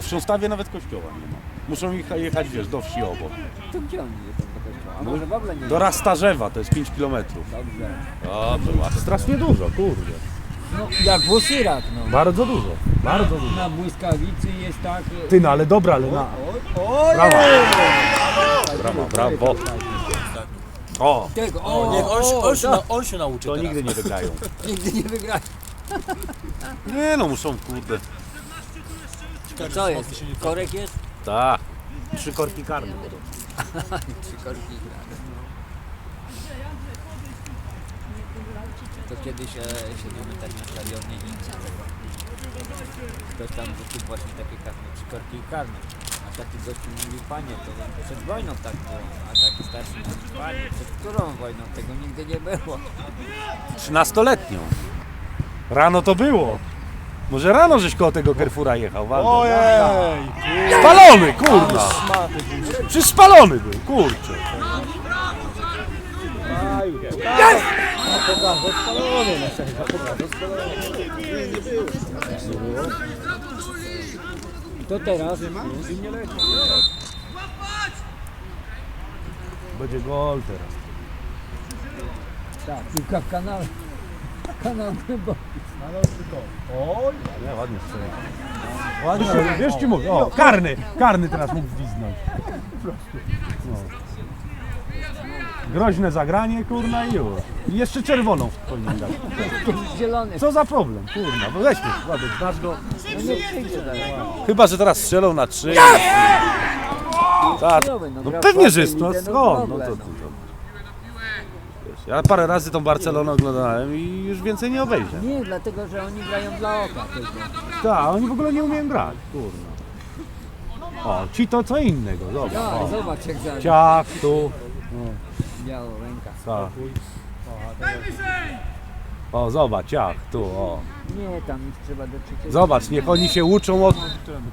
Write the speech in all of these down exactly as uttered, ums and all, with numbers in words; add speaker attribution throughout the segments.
Speaker 1: w Sząstawie nawet kościoła nie ma. Muszą jecha- jechać, wiesz, do wsi obok.
Speaker 2: To gdzie oni jeżdżą do kościoła? A może w ogóle nie?
Speaker 1: Do Rastarzewa, to jest pięć kilometrów.
Speaker 2: Dobrze.
Speaker 1: Dobrze, ładnie. Strasznie dużo, kurde.
Speaker 2: No, jak Włosirak, no.
Speaker 1: Bardzo dużo, bardzo dużo.
Speaker 2: Na błyskawicy jest tak...
Speaker 1: Ty, no ale dobra, ale na...
Speaker 2: Oj,
Speaker 1: Brawo. Brawo, brawo. O,
Speaker 2: Tego, o,
Speaker 3: Niech on, się-
Speaker 2: o,
Speaker 3: on, się,
Speaker 2: to,
Speaker 3: na- on się nauczy
Speaker 1: to
Speaker 3: teraz.
Speaker 1: nigdy nie wygrają.
Speaker 2: nigdy nie wygra.
Speaker 1: Nie no, muszą, kurde.
Speaker 2: To co jest? Korek jest?
Speaker 1: Tak. Trzy korki karne.
Speaker 2: Trzy korki grane. To kiedyś e, siedzimy tak na stadionie i ktoś tam rzucił właśnie takie karne, trzy korki karne. A taki gościu mówi, panie, to przed wojną tak było. A taki starszy mówi, panie, przed którą wojną? Tego nigdy nie było.
Speaker 1: Trzynastoletnią. Rano to było. Może rano żeś koło tego Carrefoura jechał, Waldo.
Speaker 3: Ojej!
Speaker 1: Spalony, kurwa. Przecież spalony był, kurczę.
Speaker 2: To teraz
Speaker 1: Będzie gol teraz.
Speaker 2: tak, piłka w kanale. Kanał głęboki.
Speaker 1: Oj, nie, ładnie strzela. Ładnie, ale wiesz ci mówię, o, karny, karny teraz mógł gwizdnąć. No. Groźne zagranie, kurna i już. I jeszcze czerwoną powinien dać.
Speaker 2: Zielony.
Speaker 1: Co za problem, kurna, bo weźmy, Władek, znasz go.
Speaker 2: No nie przyjdzie dalej.
Speaker 1: Chyba, że teraz strzelą na trzy. Tak, no pewnie, że jest, no skąd, no to, to, to. Wiesz, ja parę razy tą Barcelonę oglądałem i już więcej nie obejrzę.
Speaker 2: Nie, dlatego że oni grają dla oka tylko.
Speaker 1: Tak, oni w ogóle nie umieją grać, kurna. O, ci to co innego, zobacz.
Speaker 2: Ja,
Speaker 1: O.
Speaker 2: zobacz jak zaraz.
Speaker 1: Ciach, tu.
Speaker 2: Biała ręka.
Speaker 1: Tak. O, zobacz, ciach, tu, o.
Speaker 2: Nie, tam ich trzeba do trzeciego.
Speaker 1: Zobacz, niech oni się uczą od...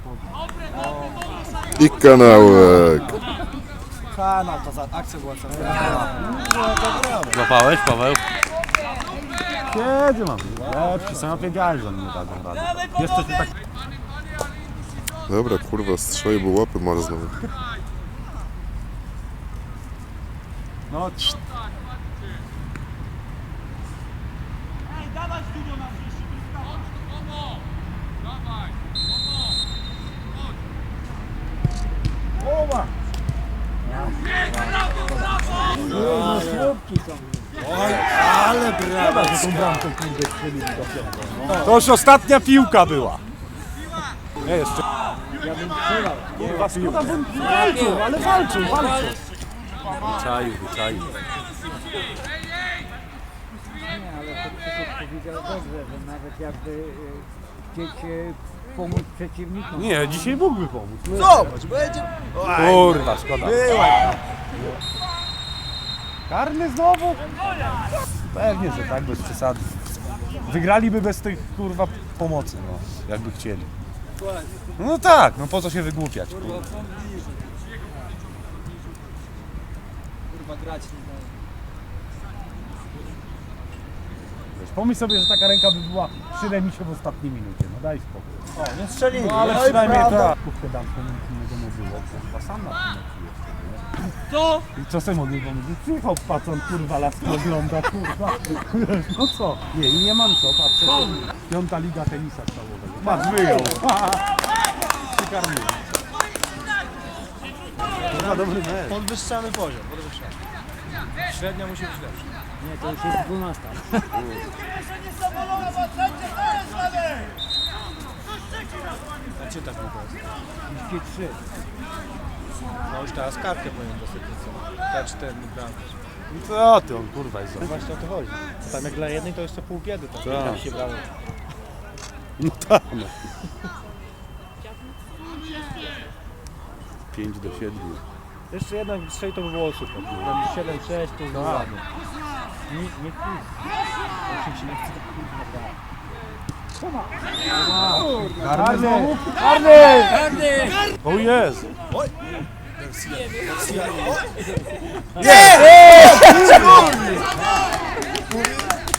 Speaker 4: I kanałek.
Speaker 3: Kanał, ta za- akcja była cała.
Speaker 1: Złapałeś, Paweł? Kiedy mam? Lepsi, sam wiedziałem, że oni nie dadzą rady. Jeszcze się tak...
Speaker 4: Dobra, kurwa, strzeli, bo łapy marzną.
Speaker 1: No,
Speaker 2: No, słupki są.
Speaker 3: Ale brawo!
Speaker 1: to już ostatnia piłka była. Nie, jeszcze...
Speaker 2: Ja bym strzelał.
Speaker 1: Kurwa, szkoda, bo walczą, ale walczą, walczą. Wyczaił, wyczaił.
Speaker 2: Nie, ale to Krzysiek powiedział dobrze, że nawet jakby y, chcieć y, pomóc przeciwnikom.
Speaker 1: Nie, dzisiaj mógłby pomóc.
Speaker 3: Zobacz, będzie...
Speaker 1: Kurwa, szkoda.
Speaker 3: Była!
Speaker 1: Karny znowu? Pewnie, że tak, bez przesady. Wygraliby bez tych, kurwa, pomocy, no, jakby chcieli. No tak, no po co się wygłupiać? Kurwa.
Speaker 3: Kurwa, grać nie daje.
Speaker 1: Wiesz, pomyśl sobie, że taka ręka by była przy remisie w ostatniej minucie, no daj spokój.
Speaker 3: O, nie strzelili.
Speaker 1: No ale
Speaker 3: No i
Speaker 1: przynajmniej
Speaker 3: prawda.
Speaker 1: tak. Kówkę damską nic innego nie było, kurwa, sam na tym meczu jeszcze, nie? Co? I co sobie mogli powiedzieć? Przyjechał pacon, kurwa, laski ogląda, kurwa. No co? Nie, i nie mam co, patrzę. Piąta liga tenisa stałowego. Patrz, wyjął. Przykarmił. Kurwa, dobry mecz.
Speaker 3: Podwyższamy poziom, podwyższamy. Średnia musi być lepsza.
Speaker 2: Nie, to już jest dwunasta.
Speaker 3: A czy tak mówię?
Speaker 2: trzydzieści trzy.
Speaker 3: No już teraz kartkę powinien dostać. K cztery bramki.
Speaker 1: I co ty, on kurwa jest.
Speaker 3: No właśnie o to chodzi. Tam jak dla jednej to jeszcze pół biedy. Tam,
Speaker 1: Tak.
Speaker 3: tam się brało.
Speaker 1: No tak, no. pięć do siedmiu.
Speaker 3: Jeszcze jednak strzeli to by było super. Tam siedem sześć to już było ładnie. Nie, nie wpis. Osiem się nie chce.
Speaker 1: Karny znowu?
Speaker 2: Karny! Karny!
Speaker 1: O jest!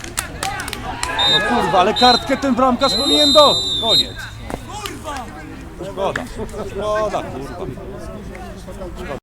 Speaker 1: No kurwa, ale kartkę ten bramkarz powinien do. Koniec. Szkoda, szkoda, kurwa.